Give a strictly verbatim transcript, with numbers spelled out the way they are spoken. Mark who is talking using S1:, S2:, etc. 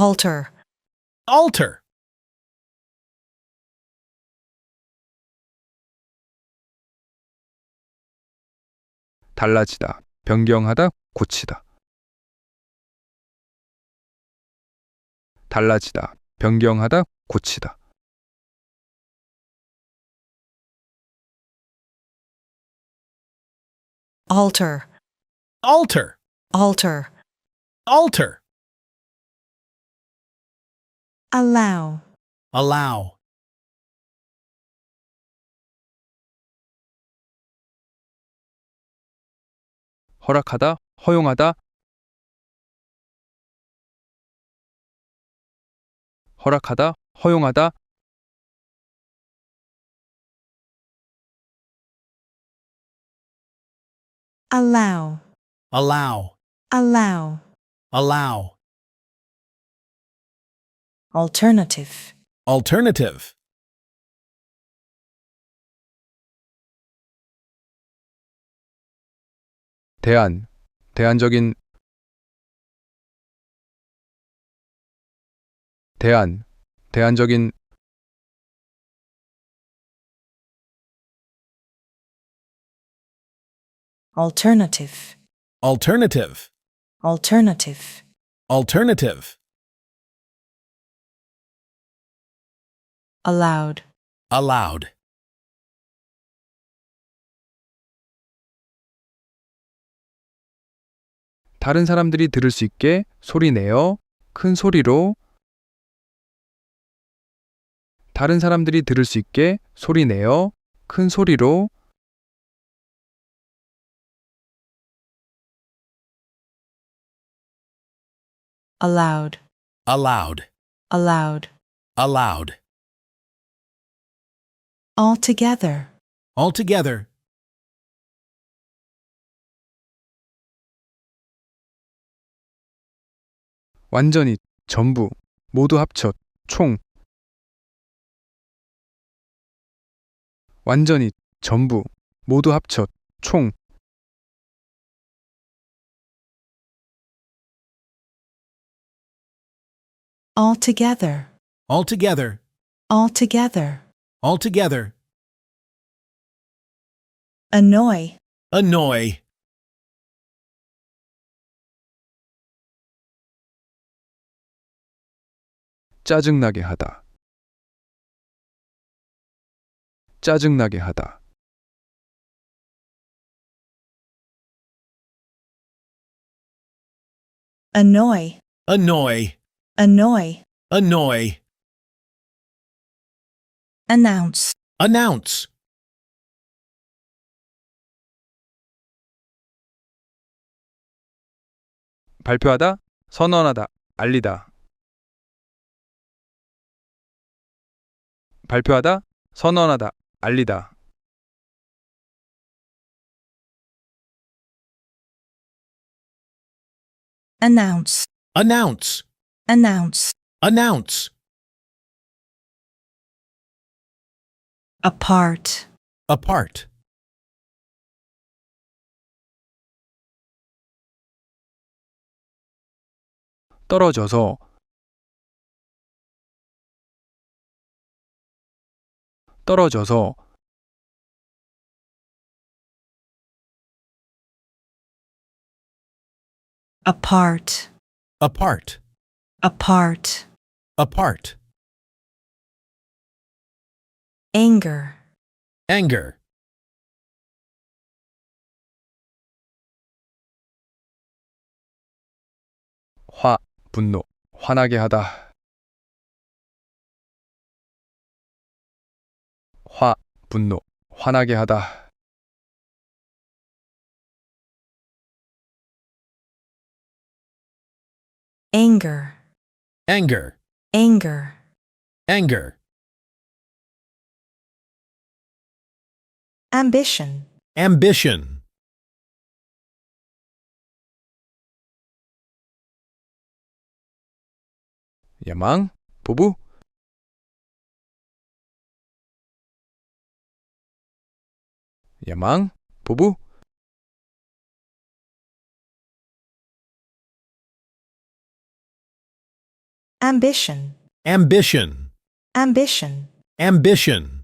S1: alter,
S2: alter,
S3: 달라지다, 변경하다, 고치다. 달라지다, 변경하다, 고치다.
S1: alter,
S2: alter,
S1: alter,
S2: alter,
S1: allow,
S2: allow,
S3: 허락하다, 허용하다. 허락하다, 허용하다.
S1: allow,
S2: allow,
S1: allow,
S2: allow,
S1: alternative,
S2: alternative,
S3: 대안, 대안적인. 대안, 대안적인.
S1: alternative,
S2: alternative,
S1: alternative,
S2: alternative,
S1: allowed,
S2: allowed,
S3: 다른 사람들이 들을 수 있게 소리 내어 큰 소리로. 다른 사람들이 들을 수 있게 소리 내어 큰 소리로.
S1: allowed,
S2: allowed,
S1: allowed,
S2: allowed,
S1: altogether,
S2: altogether,
S3: 완전히, 전부, 모두 합쳐, 총. 완전히, 전부, 모두 합쳐, 총.
S1: altogether,
S2: altogether,
S1: altogether,
S2: altogether,
S1: annoy,
S2: annoy,
S3: 짜증나게 하다. 짜증나게 하다.
S1: annoy,
S2: annoy,
S1: annoy,
S2: annoy,
S1: announce,
S2: announce,
S3: 발표하다, 선언하다, 알리다. 발표하다, 선언하다, 알리다.
S1: announce,
S2: announce,
S1: announce,
S2: announce,
S1: apart,
S2: apart,
S3: 떨어져서. 떨어져서.
S1: apart,
S2: apart,
S1: apart,
S2: apart,
S1: anger,
S2: anger,
S3: 화, 분노, 화나게 하다. 화, 분노, 화나게 하다.
S1: anger,
S2: anger,
S1: anger,
S2: anger,
S1: ambition,
S2: ambition,
S3: 야망, 포부. 야망, 포부.
S1: ambition,
S2: ambition,
S1: ambition.
S2: ambition.